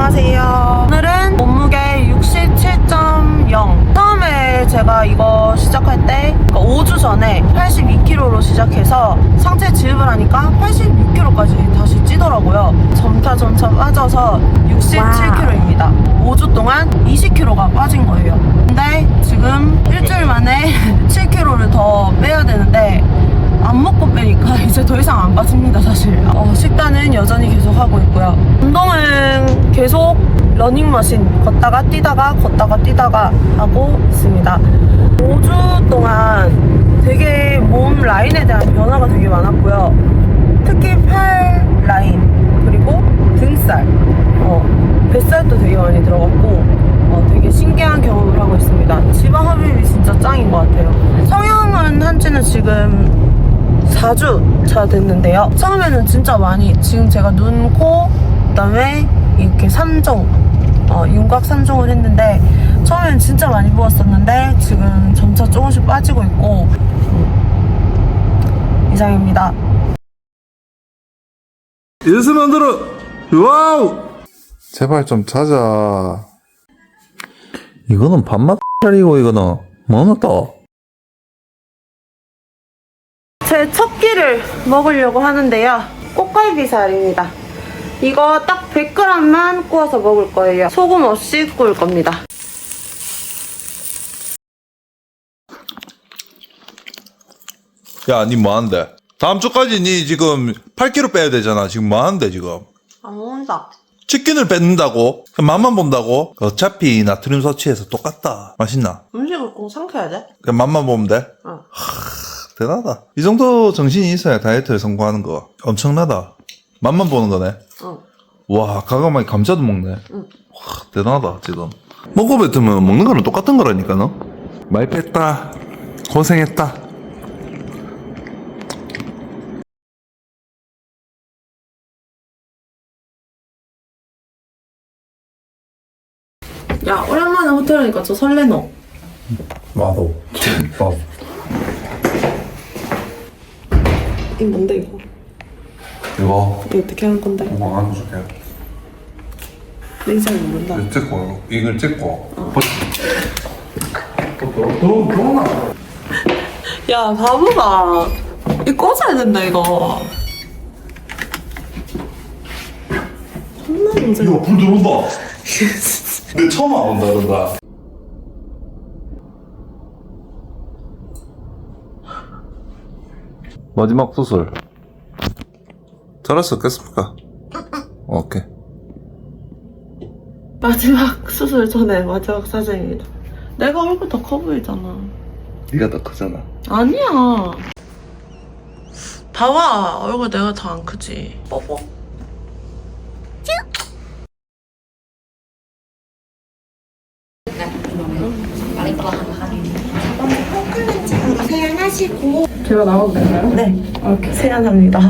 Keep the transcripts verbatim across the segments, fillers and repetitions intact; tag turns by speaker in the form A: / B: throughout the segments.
A: 안녕하세요. 오늘은 몸무게 육십칠 점 영. 처음에 제가 이거 시작할 때 그러니까 오 주 전에 팔십이 킬로그램로 시작해서 상체 지읍을 하니까 팔십육 킬로그램까지 다시 찌더라고요. 점차 점차 빠져서 육십칠 킬로그램입니다. 오 주 동안 이십 킬로그램가 빠진 거예요. 근데 지금 일주일 만에 칠 킬로그램를 더 빼야 되는데 안 먹고 빼니까 이제 더 이상 안 빠집니다. 사실 어, 식단은 여전히 계속 하고 있고요. 운동은 계속 러닝머신 걷다가 뛰다가 걷다가 뛰다가 하고 있습니다. 오 주 동안 되게 몸 라인에 대한 변화가 되게 많았고요. 특히 팔 라인 그리고 등살, 어, 뱃살도 되게 많이 들어갔고 어, 되게 신기한 경험을 하고 있습니다. 지방 흡입이 진짜 짱인 것 같아요. 성형은 한지는 지금 사 주 차 됐는데요. 처음에는 진짜 많이, 지금 제가 눈, 코, 그 다음에 이렇게 삼 종, 어, 윤곽 삼 종을 했는데 처음에는 진짜 많이 부었었는데 지금 점차 조금씩 빠지고 있고 음, 이상입니다.
B: 예스 만들어. 와우. 제발 좀 자자. 이거는 밥맛 차리고 이거는 뭐는 또.
A: 제 첫 끼를 먹으려고 하는데요. 꽃갈비살입니다. 이거 딱 백 그램만 구워서 먹을 거예요. 소금 없이 구울 겁니다.
B: 야, 니 뭐하는데? 다음 주까지 니 지금 팔 킬로그램 빼야 되잖아. 지금 뭐하는데 지금?
A: 안 먹는다.
B: 치킨을 뺏는다고? 그냥 맛만 본다고? 어차피 나트륨 섭취해서 똑같다. 맛있나?
A: 음식을 꼭 삼켜야 돼?
B: 그냥 맛만 보면 돼?
A: 어.
B: 대단하다. 이 정도 정신이 있어야 다이어트에 성공하는 거. 엄청나다. 맛만 보는 거네.
A: 응.
B: 와, 가감하게 감자도 먹네.
A: 응.
B: 와, 대단하다, 지금. 먹고 뱉으면 먹는 거는 똑같은 거라니까, 너? 많이 뺐다. 고생했다.
A: 야, 오랜만에 호텔 오니까 저 설레노.
B: 나도. 나도.
A: 이거 뭔데 이거?
B: 이거,
A: 이거 어떻게 하는 건데?
B: 이거 안 줄게.
A: 내 잘 모른다.
B: 이걸 찍고, 이걸 찍고. 어. 너, 너,
A: 야, 바보가. 이거 꽂아야 된다, 이거. 존나 문제.
B: 이거 불 들어온다. 내 처음 안 온다, 이런다. 마지막 수술. 잘할 수 있겠습니까? 오케이.
A: 마지막 수술 전에 마지막 사진입니다. 내가 얼굴 더 커 보이잖아.
B: 네가 더 크잖아.
A: 아니야. 봐봐, 얼굴 내가 더 안 크지. 뽀뽀. 세안하시고.
C: 제가 나와도 되나요?
A: 네.
C: 오케이.
A: 세안합니다.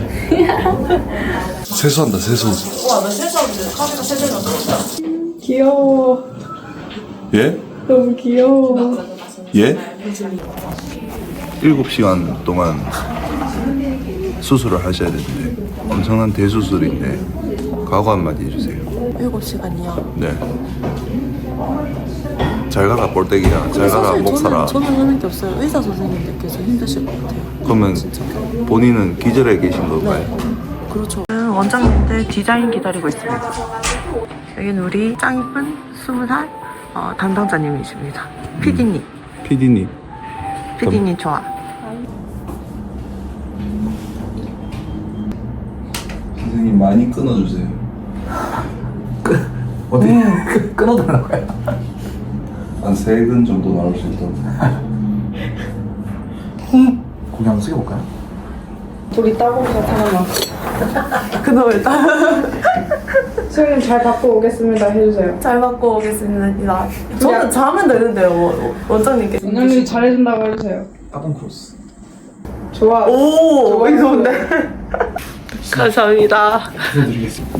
B: 세수한다, 세수.
A: 우와, 나 세수하는데 카메라 세대로
C: 귀여워.
B: 예?
C: 너무 귀여워.
B: 예? 일곱 시간 동안 수술을 하셔야 되는데 엄청난 대수술인데 각오 한마디 해주세요.
A: 일곱 시간이요.
B: 네. 잘 가라 볼때기야. 잘 가라
A: 사실
B: 목 살아.
A: 저는, 저는 하는 게 없어요. 의사 선생님들께서 힘드실 것 같아요.
B: 그러면 본인은 기절해 계신 건가요?
A: 그렇죠. 원장님들 디자인 기다리고 있습니다. 여기는 우리 짱 이쁜 스무 살 어, 담당자님이십니다. 피디님.
B: 피디님.
A: 피디님 좋아.
B: 선생님 많이 끊어주세요.
D: 어디 끊어달라고요?
B: 한 세 근 정도 나올 수 있도록.
D: 고개 한번 숙여볼까요?
C: 우리 따봉사 하나만.
A: 그놈을 따.
C: 수영님 잘 받고 오겠습니다 해주세요.
A: 잘 받고 오겠습니다. 저는 자면 되는데요, 원- 원장님께.
C: 원장님 잘해준다고 해주세요.
D: 따봉 크로스.
C: 좋아.
A: 오, 이거 좋은데. 감사합니다.
D: 보여드리겠습니다.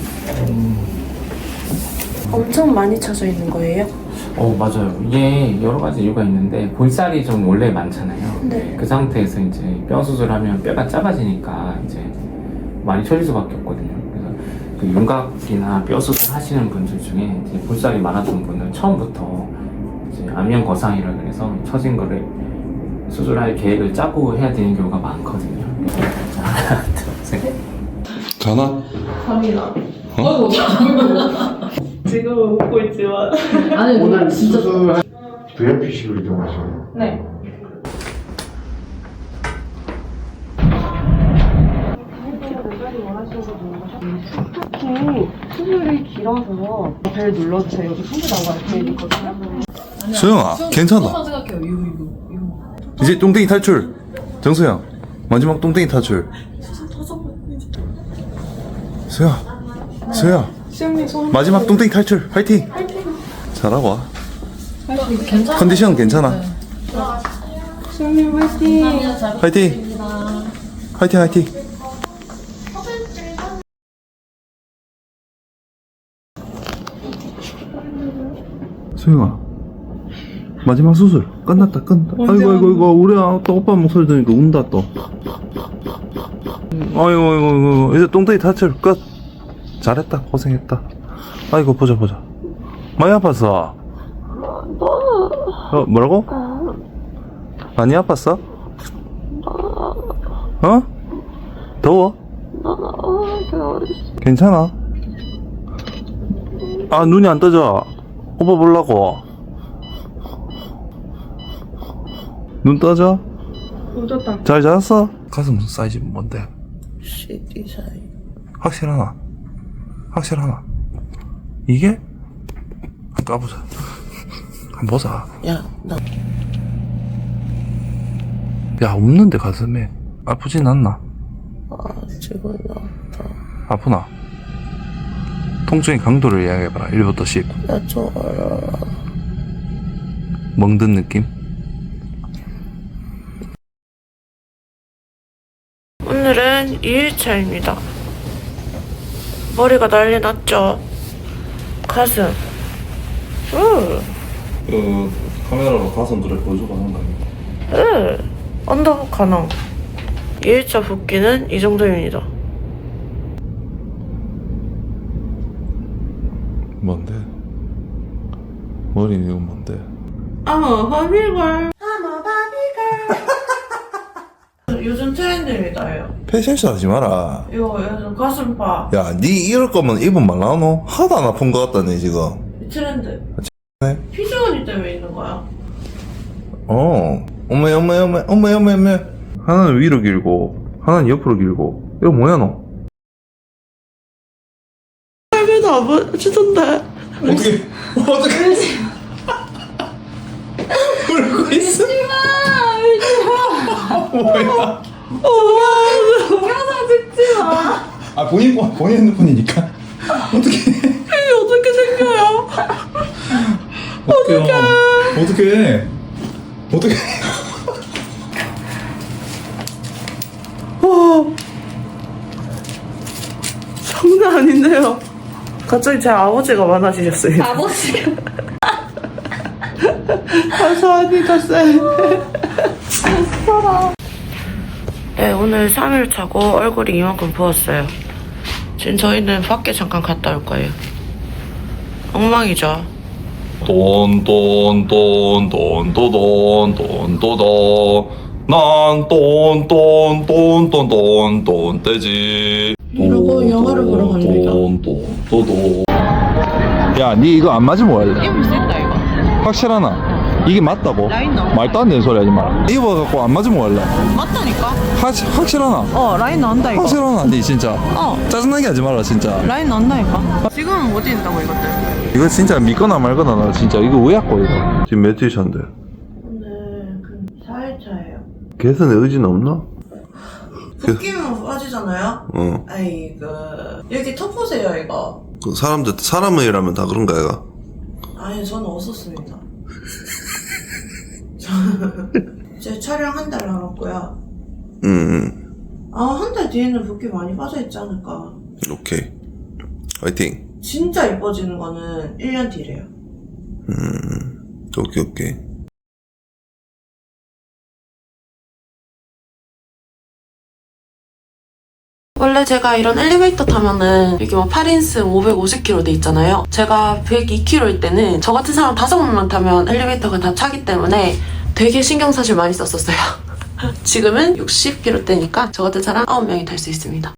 A: 엄청 많이 쳐져 있는 거예요?
E: 어 맞아요. 이게 여러 가지 이유가 있는데 볼살이 좀 원래 많잖아요.
A: 네.
E: 그 상태에서 이제 뼈 수술하면 뼈가 작아지니까 이제 많이 쳐질 수밖에 없거든요. 그래서 그 윤곽이나 뼈 수술 하시는 분들 중에 이제 볼살이 많았던 분은 처음부터 이제 안면 거상이라 그래서 처진 거를 수술할 계획을 짜고 해야 되는 경우가 많거든요. 자, 하나, 둘, 셋.
B: 자나?
A: 잠이나. 지금 웃고 있지만.
C: 아니 오늘 진짜
F: 브이아이피식으로 이동하시나요?
A: 네. 특히 수술이 길어서 벨 눌러주세요. 여기 손이 나와 이렇게 있거든요.
B: 수영아, 괜찮아.
C: 생각해요. 이거 이거 이거.
B: 이제 똥땡이 탈출. 정수영, 마지막 똥땡이 탈출. 수야, 수야.
A: 수영님 손.
B: 마지막 똥땡이 탈출. 화이팅. 잘하고 와.
C: 괜찮아.
B: 컨디션 괜찮아.
A: 수영님 화이팅.
B: 화이팅. 화이팅, 화이팅. 수영아, 마지막 수술 끝났다, 끝났다. 아이고, 아이고, 아이고, 우리 아, 또 오빠 목소리 들으니까 운다 또. 아이고, 아이고, 아이고, 이제 똥땡이 탈출 끝. 잘했다, 고생했다. 아이고, 보자, 보자. 많이 아팠어? 어, 뭐라고? 많이 아팠어? 어? 더워? 괜찮아? 아, 눈이 안 떠져. 오빠 보려고. 눈 떠져?
A: 웃었다.
B: 잘 자았어? 가슴 사이즈 뭔데?
A: 시티 사이.
B: 확실하나? 확실하나? 이게? 한번 까보자. 한번 보자.
A: 야, 나.
B: 야, 없는데 가슴에. 아프진 않나?
A: 아, 지금 나왔다.
B: 아프나? 통증의 강도를 이야기해봐라. 일부터 십.
A: 야, 좋아라.
B: 멍든 느낌?
A: 오늘은 이 일차입니다. 머리가 난리 났죠? 가슴. 으,
B: 그, 카메라로 가슴 그래 보여줘봐 하는 거 아닙니까?
A: 으. 언더북 가능. 이 일차 붓기는 이 정도입니다.
B: 뭔데? 머리 이건 뭔데?
A: I'm a 바비걸. I'm a 바비걸. 요즘 트렌드입니다, 이거.
B: 패션쇼 하지 마라.
A: 이거 요즘 가슴파.
B: 야, 니 이럴 거면 입은 말라노? 하도 안 아픈 거 같다네, 지금.
A: 이 트렌드.
B: 네?
A: 피지원이 때문에 있는 거야.
B: 어. 어메, 어메, 어메, 어메, 어메, 어메. 하나는 위로 길고, 하나는 옆으로 길고. 이거 뭐야, 너?
A: 할배도 안 보여주던데.
B: 어떻게, 어떻게. 울고 있어? 뭐야?
A: 동영상 찍지 마.
B: 아, 본인, 본인 핸드폰이니까. 어떻게.
A: 이게 어떻게 생겨요?
B: 어떡해. 어떡해. 어떡해.
A: 와. 장난 아닌데요. 갑자기 제 아버지가 많아지셨어요.
C: 아버지가.
A: 감사합니다, 쌤. 네, 오늘 삼 일 차고 얼굴이 이만큼 부었어요. 지금 저희는 밖에 잠깐 갔다 올 거예요. 엉망이죠.
B: 돈돈돈돈돈돈돈돈돈 난 돈돈돈돈돈돈 떼지.
A: 이러고 영화를 보러 갑니다.
B: 돈돈돈돈. 야, 니 이거 안 맞으면 뭐 할래?
A: 입을 쓸다 이거.
B: 확실하나? 이게 맞다고?
A: 라인 나와.
B: 말도 안 되는 소리 하지 마라. 입어갖고 안 맞으면 뭐 할래?
A: 맞다니까?
B: 확, 확실하나?
A: 어, 라인 나온다 이거.
B: 확실하나? 니 진짜
A: 어,
B: 짜증나게 하지 마라 진짜.
A: 라인 나온다니까. 지금은 못 인다고 이것들.
B: 이거 진짜 믿거나 말거나 나 진짜 이거 의약고 이거. 지금 며칠 차인데?
A: 오늘 그 사 일 차예요.
B: 개선의 의지는 없나?
A: 붓기면 빠지잖아요?
B: 어.
A: 아이 그 여기 덮으세요 이거.
B: 그 사람들 사람이라면 다 그런가 얘가?
A: 아니 저는 없었습니다. 제 촬영 한 달 남았고요.
B: 음,
A: 아, 한 달 뒤에는 붓기 많이 빠져있지 않을까.
B: 오케이. 화이팅.
A: 진짜 예뻐지는 거는 일 년 뒤래요.
B: 음, 오케이, 오케이.
A: 원래 제가 이런 엘리베이터 타면은 이게 뭐 팔 인승 오백오십 킬로미터 돼 있잖아요. 제가 백이 킬로미터일 때는 저 같은 사람 다섯 명만 타면 엘리베이터가 다 차기 때문에 되게 신경사실 많이 썼었어요. 지금은 육십 킬로미터대니까 저 같은 사람 아홉 명이 탈 수 있습니다.